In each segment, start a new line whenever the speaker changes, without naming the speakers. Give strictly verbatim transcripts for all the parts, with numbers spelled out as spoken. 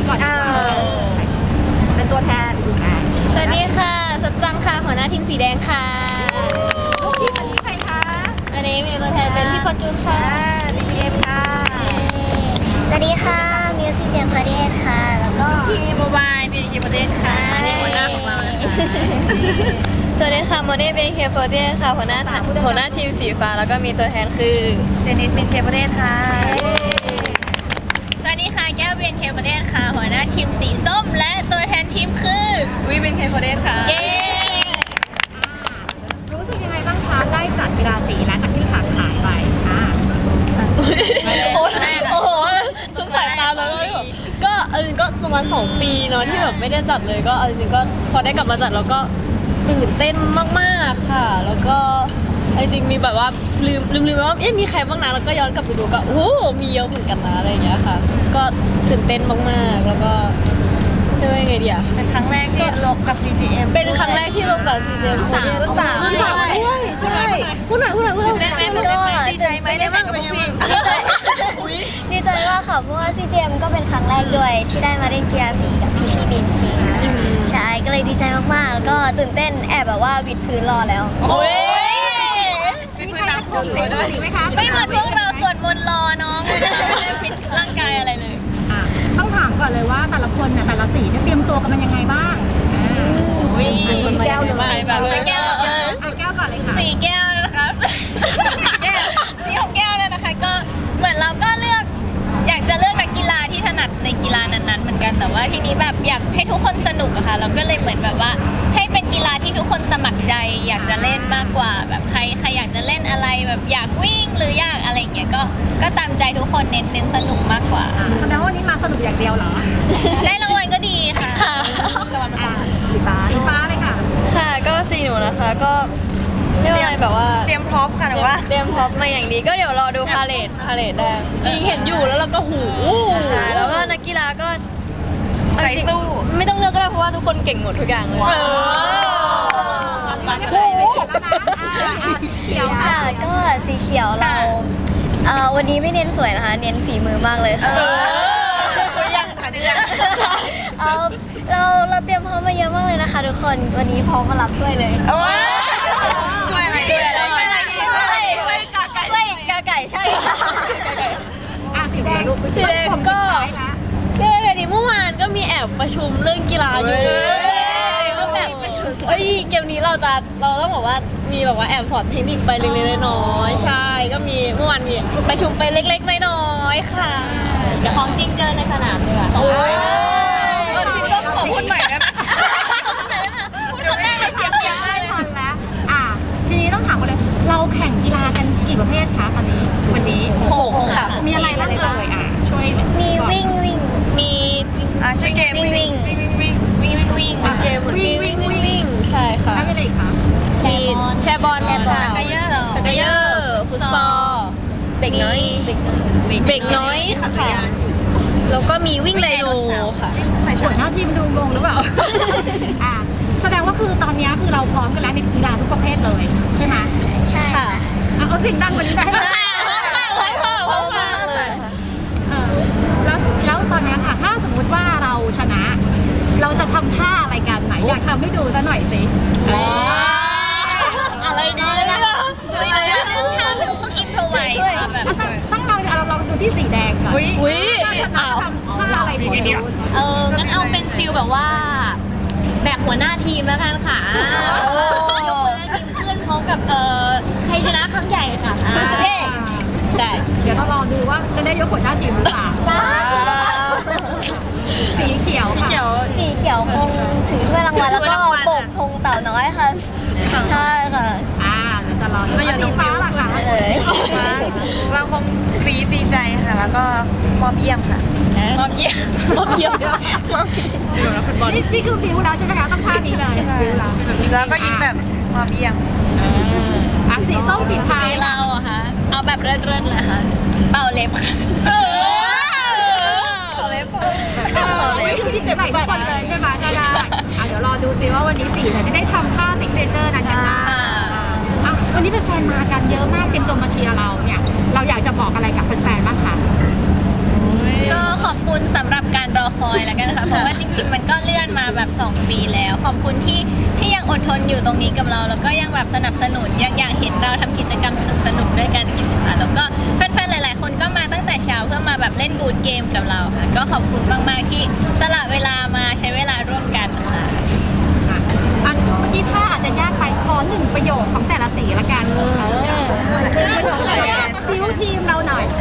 ก่อนดีกว่าเป็นตัวแทนอ่ะ
สวัสดีค่ะสัจจังค่ะหัวหน้าทีมสีแดงค่ะ
ลูกทีมวันนี้ใครคะ
อันนี้มีตัวแทนเป็นพี่ฟอร์จูนค่ะ
บีเอ็มค่ะ
สวัสดีค่ะมิวสิกเจมพอดีค่ะ แล้วก็
ทีมโมบายบีเอ็มประเทศค่ะนี่หัวหน้าของเรานะคะ
สวัสดีค่ะโมเน่เบนเคฟอร์เดียค่ะหัวหน้าหัวหน้าทีมสีฟ้าแล้วก็มีตัวแทนคือ
เจนิสเป็นเคประเทศค่ะ
สวัสดีค่ะแก้วเบนเคฟอร์เดียค่ะหัวหน้าทีมสีส้มและตัวแทนทีมคือ
วิเป็นเคประเทศค่ะ
เย้
รู้สึกยังไงบ้างคะได้จัดกีฬาสีและจากที่ขาดหายไปค่ะ
โอ้โหสงสายตาเลยก็เออก็ประมาณสองปีเนาะที่แบบไม่ได้จัดเลยก็เอาจริงๆก็พอได้กลับมาจัดแล้วก็ตื่นเต้นมากๆค่ะ แล้วก็จริงๆมีแบบว่าลืมลืมลืมว่าเอ๊ะมีใครบ้างนะแล้วก็ย้อนกลับไปดูก็โอ้โหมีเยอะเหมือนกันนะอะไรอย่างเงี้ยค่ะ ก็ตื่นเต้นมากๆแล้วก็เรียกว่าไงดีอะ
เป็นครั้งแรกที่ลงกับ ซี จี เอ็ม
เป็นครั้งแรกที่ลงกับ ซี เจ เอ็ม
สามรุ่นสาม
รุ่นสามด้วยใช่พูดหน่อยพูดหน่อยพูดหน่อย
ได้ไหมได้ไหมดีใจไหมได้บ้างเป็นยังไง
ดีใจมากค่ะเพราะว่า ซี เจ เอ็ม ก็เป็นครั้งแรกด้วยที่ได้มาเล่นกีฬาสีกับพี่พี่เบนเคใช่ก็เลยดีใจมากๆแล้วก็ตื่นเต้นแอบแบบว่าวิดพื้นรอแล้ว
โอ้ยเป็นพื้นน้ำท่วมเลยด้วยไหมคะ
ไม่เหมือนพวกเราสวดมนต์รอน้องไม่ได้ฟิตร่างกายอะไรเลย
ต้องถามก่อนเลยว่าแต่ละคนเนี่ยแต่ละสีเนี่ยเตรียมตัวกันมันยังไงบ้างแก้วเลยแบบ
แก้วเหรอ
แก้วก่อนเลยค่ะ
สี่แก้วนะคะแก้วสีของแก้วเนี่ยนะคะก็เหมือนเราก็เลือกอยากจะเลือกนักกีฬาที่ถนัดในกีฬานั้นๆเหมือนกันแต่ว่าทีนี้แบบอยากให้ทุกคนสนุกอะค่ะเราก็เลยเหมือนแบบว่าให้เป็นกีฬาที่ทุกคนสมัครใจ อยากจะเล่นมากกว่าแบบใครใครอยากจะเล่นอะไรแบบอยากวิ่งหรืออยากอะไรอย่างเงี้ยก็ก็ตามใจทุกคนเน้นเน้นสนุกมากกว่า
แสดงว่าวันนี้มาสนุกอย่างเดียวเหรอ
ได้รางวัลก็ดีค่ะค่ะ
สีฟ้าสีฟ้าเลยค่ะ
ค่ะก็สีหนูนะคะก็เรียกว่าอะไรแบบว่า
เตรียมพร้อมค่ะหรือว่า
เตรียมพร็อพมาอย่างดีก็เดี๋ยวรอดูพาเลทพาเลทได้จริงเห็นอยู่แล้วเราก็หูใช่แล้วก็นักกีฬาก็
ใจสู้
ไม่ต้องเลือกก็ได้เพราะว่าทุกคนเก่งหมดทุกอย่างเลย
มันก็เลยเขียว
ค่ะก็สีเขียวเราเอ่อวันนี้ไม่เน้นสวยนะคะ เน้นฝีมือมากเลยค่ะ
เขายังค่ะเนี่ย
เอ่อเราเราเตรียมพร้อมมาเยอะมากเลยนะคะทุกคนวันนี้พร้อมมารับถ้วยเลย
โอ้ยช่วยอะไรดีช่วยอะไรดีช่วยช่วยกาไก่
ถ้วยกาไก่ใช่ค่ะ
อ่ะสีแดง
สีแดงก็เรื่องอะไรดีเมื่อวานก็มีแอบประชุมเรื่องกีฬาอยู่ก็แบบเอ้ยเกมนี้เราจะเราต้องบอกว่ามีแบบว่าแอบสอนเทคนิคไปเล็กๆน้อยๆใช่ก็มีเมื่อวานมีประชุมไปเล็กๆน้อยๆค่ะของจริงเจอในสนามเลยค่ะโอ้ยสีส้มขอพูดใหม่ได้ไหมพูดครั้งแรกเลยเสียงเสียงได้เลย
ทันแล้วอ่ะทีนี้ต้องถามกันเลยเราแข่งกีฬากันกี่ประเภทคะตอนนี้วันนี้
หกค่ะ
มีอะไรบ้างเอ่ยอ่ะช่วย
มีวิ่งวิ่ง
มี
อ่ะช่วยเกม
วิ่งวิ่ง
วิ่งวิ่ง
วิ่งวิ่งวิ่งเกมวิ่งวิ่งวิ่งวิ่งใช่ค่ะ
แล้วมีอะไรอีกคะ
มีแชร์บอลค่ะ
ชักเกยอร์
ชักเกยอร์ฟุตซอลเบรกน้อยเบรกน้อยค่ะแล้วก็มีวิ่งไดโนค่ะ
ใส่หัวหน้าทีมดูงงหรือเปล่า อ่ะแสดงว่าคือตอนนี้คือเราพร้อมกันแล้วในกีฬาทุกประเภทเลยใช่ไหม
ใช่
ค่ะ
อ่ะเอาสิ่งดังกว่านี้ได้ไหม
พร้อมมากเลย
เออแล้วแล้วตอนนี้ค่ะ ถ้าสมมุติว่าเราชนะ เราจะทำท่าอะไรกันไหนอยากทำให้ดูซะหน่อยสิ
อะไรดีล่ะต้องทำต้องอินโทรไว้ค่ะแบบ
ต้องลองเราลองดูที่สีแดงก่อน
อุ้ย
ถ้าชนะทำท่าอะไรดีเนี่ย
เอองั้นเอาเป็นฟิลแบบว่า แบบหัวหน้าทีมแล้วกันค่ะยกหัวหน้าทีมขึ้นพร้อมกับเอ่อชัยชนะครั้งใหญ่ค่ะเย้ได้
เดี๋ยวเราลองดูว่าจะได้ยกหัวหน้าทีมหรือเปล่าสีเขียวค่ะ
สีเขียวคงถือถ้วยรางวัลแล้วก็โบกธงเต่าน้อยค่ะ ใช่ค่ะ
อ่าเดี๋ยวจะรอดูว่าสีฟ้าล่ะคะ
เลย
เราคงกรี๊ดดีใจค่ะ แล้วก็มอบเยี่ยมค่ะ
มอบเยี่ยมมอบเยี่ยม
นี่นี่คือฟิวแล้วใช่ไหมคะต้องท่านี้เลยฟิวแล้ว
แล้วก็ยิ้มแบบมอบเยี่ยม
อ่ะสีส้มสีท้าย
เราอะคะเอาแบบเริดๆเลยค่ะเป่าเล็บค่ะเป่าเล็บ
ไม่คือที่ใส่ทุกคนเลยใช่ไหมได้ได้อ่ะเดี๋ยวรอดูซิว่าวันนี้สีเนี่ยจะได้ทำท่าซิกเนเจอร์นั้นกันได้อ่ะวันนี้แฟนๆมากันเยอะมากเต็มตัวมาเชียร์เราเนี่ยเราอยากจะบอกอะไรกับแฟนๆบ้างคะ
ก็ขอบคุณสำหรับการรอคอยแล้วกันค่ะเพราะว่าจริงๆมันก็เลื่อนมาแบบสองปีแล้ว ขอบคุณที่ที่ยังอดทนอยู่ตรงนี้กับเรา แล้วก็ยังแบบสนับสนุนยังอยากเห็นเราทำกิจกรรมสนุกๆด้วยกันอยู่ค่ะแล้วก็แฟนๆหลายๆคนก็มาตั้งแต่เช้าเพื่อมาแบบเล่นบูธเกมกับเราค่ะก็ขอบคุณมากๆที่สละเวลามาใช้เวลาร่วมกันค่ะ
อันเมื่อกี้ถ้าอาจจะยากไปขอหนึ่งประโยคของแต่ละสีละกันเออซิวทีมเราหน่อย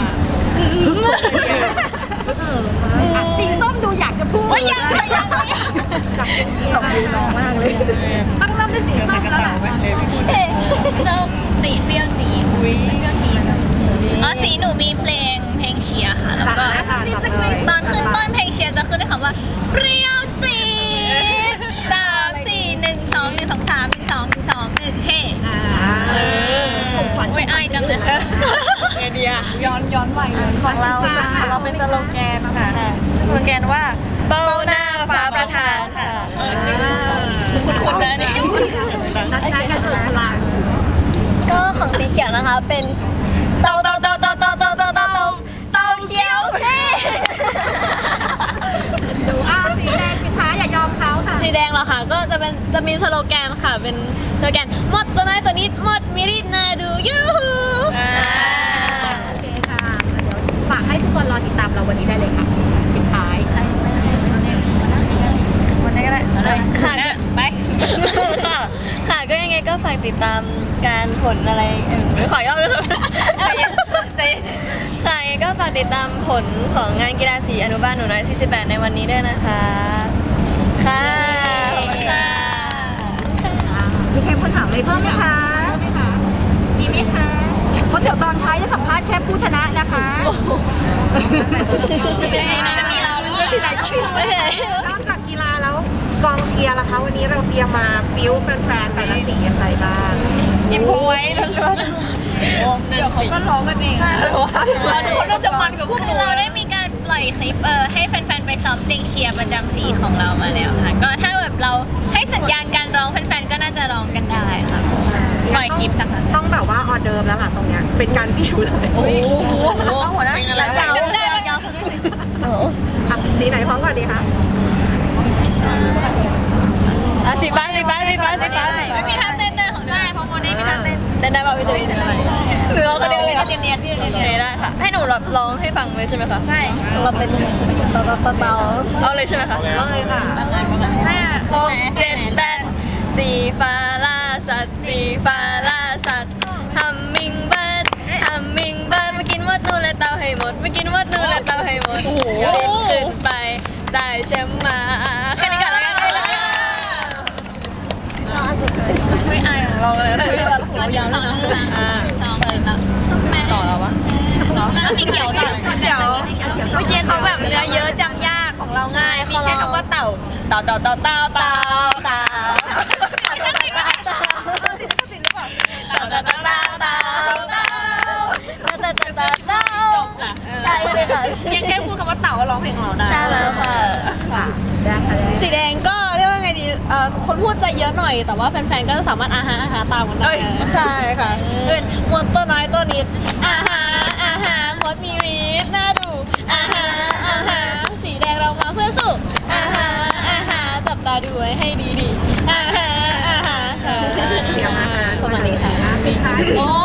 อ่ะสีส้มดูอยากจะพูดว่ายังยังยังจับตบมือน้องมากเลยต้องเริ่มด้วยสีส้มแล้วล่ะ
ส้มสีเปรี้ยวจีดเปรี้ยวจีดอ๋อสีหนูมีเพลงเพลงเชียร์ค่ะแล้วก็ตอนขึ้นต้นเพลงเชียร์จะขึ้นด้วยคำว่าเปรี้ยวจีดสามสี่หนึ่งสองหนึ่งสองสามหนึ่งสองหนึ่งสองหนึ่งเฮ้โอ้ยอายจังเลย
ไอเดียย้อนย้อนวัยของเราของเราเป็นสโลแกนค่ะสโลแกนว่า
เบ้าหน้าฟ้าประธานค่ะ
คือคุณคุณนะนี่
นัดกันเสริมพลัง
ก็ของสีเขียวนะคะเป็นเตาเตาเตาเตาเตาเตาเตาเตาเตาเขียวเท่
ดูอ้าวสีแดงปิดท้ายอย่ายอมเขาค่ะ
สีแดงเหรอคะก็จะเป็นจะมีสโลแกนค่ะเป็นสโลแกนหมดตัวน้อยตัวนิดหมดมิริดนาดูยูฮู
โอเคค่ะเดี๋ยวฝากให้ทุกคนรอติดตามเราวันนี้ได้เลยค่ะปิดท้าย
วันนี้ก็ได้
ค่ะไป
ค่ะค่ะก็ยังไงก็ฝากติดตามการผลอะไรเออขอยอดเลย
ใจเย็นใจเย็น
ค่ะยังไงก็ฝากติดตามผลของงานกีฬาสีอนุบาลหนูน้อยสี่สิบแปดในวันนี้ด้วยนะคะค่ะขอบคุณค่ะ
มีใครคนถามอะไรเพิ่มไหมคะมีไหมคะเพราะเดี๋ยวตอนท้ายจะสัมภาษณ์แค่ผู้ชนะนะคะ
จะเป็นยังไงจะมีเราด้วยที่ไหนชื่อไม่ใช่
นอกจากกีฬาแล้วกองเชียร์ล่ะคะวันนี้เราเตรียมมาบิ้วแฟนๆแต่ละสีอะไรบ้าง
อิมโพไว้แล้วเดี๋ยวเขาก็ร้องกันเองใช่เพราะว่าเราจะมันกับพวก
คือเราได้มีการปล่อยคลิปเออให้แฟนๆไปซ้อมเพลงเชียร์ประจำสีของเรามาแล้วค่ะก็ถ้าแบบเราให้สัญญาณการร้องแฟนๆก็น่าจะร้องกันได้ค่ะปล่อยคลิปสักครั้ง
ต้องแบบว่าออเดิร์ฟแล้วล่ะตรงเนี้ยเป็นการบิ้วเลย
โอ้โหหัวหน้าเป็นอะไร
จำได้ยาวสุดเลย
อ่ะสีไหนพร้อมก่อนดีคะ
อ่ะสีฟ้าสีฟ้าสีฟ้าสีฟ้าสีฟ้า
ไม่มีท่าเต้นด้วยของ
ใช่เพราะโมเน่มีท่าเต้น
ได้ได้ป่ะพี่ตุลีหรือเราก็เดียว
เนี
เลย
ยนเนียนพี่เนียน
โอเคได้ค่ะให้หนูแบบร้องให้ฟังเลยใช่ไหมคะ
ใช่
เราเป็นเตาเตาเตาเตาเอาเลยใช่ไหมคะ
เอาเลยค่ะ
ห้า
หกเจ็ดแปดสีฟ้าล่าสัตว์สีฟ้าล่าสัตว์ฮัมมิงเบิร์ดฮัมมิงเบิร์ดมากินมดนูนและเตาให้หมดมากินมดนูนและเตาให้หมดบินขึ้นไปได้แชมป์มาแค่นี้ก่อนแล้วกัน
ไม่อาย
ลองเลย
เรายาวแล้วนะสองแล้วแม่
ต่อแล้ววะ
แล้วสีเขียวต่อ
เดี๋ยวเมื่อกี้เขาแบบเนื้อเยอะจำยากของเราง่ายมีแค่คำว่าเต่าเต่าเต่าเต่าเต่าเต่าเต่า
ใช่เลยค่ะ
ยังแค่พูดคำว่าเต่าก็ร้องเพลงของเราได้
ใช่แล้วค่ะ
สีแดงก็เรียกว่าไงดีเอ่อคนพูดใจเยอะหน่อยแต่ว่าแฟนๆก็สามารถอาหาอาหาตามกันได้
ใช่ค่ะเอิน
หมดตัวน้อยตัวนิดอาหาอาหาหมดมีรีดน่าดูอาหาอาหาสีแดงเรามาเพื่อสู้อาหาอาหาจับตาดูไว้ให้ดีๆอาหาอาหาค่ะประมาณนี้ค่ะ
โอ้